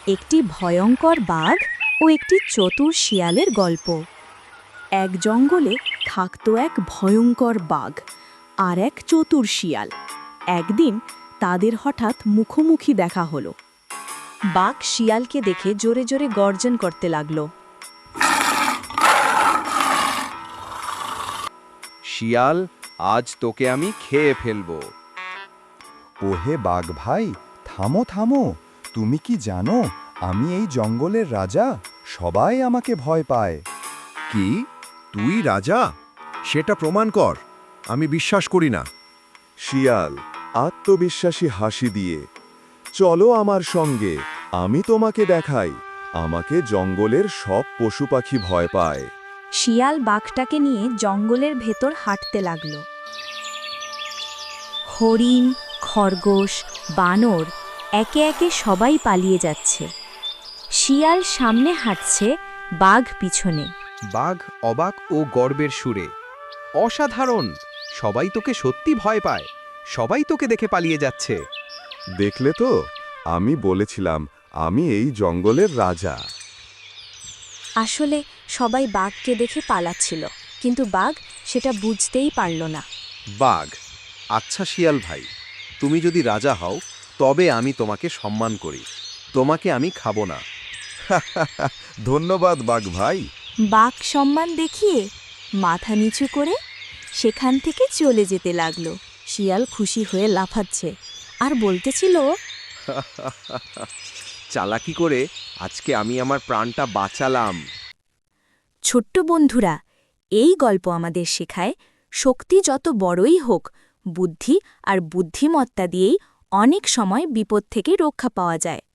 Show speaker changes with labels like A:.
A: একটি ভয়ঙ্কর বাঘ ও একটি চতুর শিয়ালের গল্প। এক জঙ্গলে থাকত এক ভয়ঙ্কর বাঘ আর এক চতুর শিয়াল। একদিন তাদের হঠাৎ মুখোমুখি দেখা হলো। বাঘ শিয়ালকে দেখে জোরে জোরে গর্জন করতে লাগলো।
B: শিয়াল, আজ তোকে আমি খেয়ে ফেলবো।
C: ওহে বাঘ ভাই, থামো থামো। তুমি কি জানো আমি এই জঙ্গলের রাজা? সবাই আমাকে ভয় পায়।
D: কি? তুই রাজা? সেটা প্রমাণ কর। আমি বিশ্বাস করি না।
E: শিয়াল আত্মবিশ্বাসী হাসি দিয়ে, চলো আমার সঙ্গে, আমি তোমাকে দেখাই আমাকে জঙ্গলের সব পশু পাখি ভয় পায়।
A: শিয়াল বাঘটাকে নিয়ে জঙ্গলের ভেতর হাঁটতে লাগল। হরিণ, খরগোশ, বানর একে একে সবাই পালিয়ে যাচ্ছে। শিয়াল সামনে হাঁটছে, বাঘ পিছনে।
B: বাঘ অবাক ও গর্বের সুরে, অসাধারণ! সবাই তোকে সত্যি ভয় পায়, সবাই তোকে দেখে পালিয়ে যাচ্ছে।
E: দেখলে তো, আমি বলেছিলাম আমি এই জঙ্গলের রাজা।
A: আসলে সবাই বাঘকে দেখে পালাচ্ছিল, কিন্তু বাঘ সেটা বুঝতেই পারল না।
B: বাঘ, আচ্ছা শিয়াল ভাই, তুমি যদি রাজা হও তবে আমি তোমাকে সম্মান করি, তোমাকে আমি খাবো না।
E: ধন্যবাদ বাঘ ভাই।
A: বাঘ সম্মান দেখিয়ে মাথা নিচু করে সেখান থেকে চলে যেতে লাগলো। শিয়াল খুশি হয়ে লাফাচ্ছে আর বলতেছিল,
B: চালাকি করে আজকে আমি আমার প্রাণটা বাঁচালাম।
A: ছোট্ট বন্ধুরা, এই গল্প আমাদের শেখায় শক্তি যত বড়ই হোক, বুদ্ধি আর বুদ্ধিমত্তা দিয়েই অনেক সময় বিপদ থেকে রক্ষা পাওয়া যায়।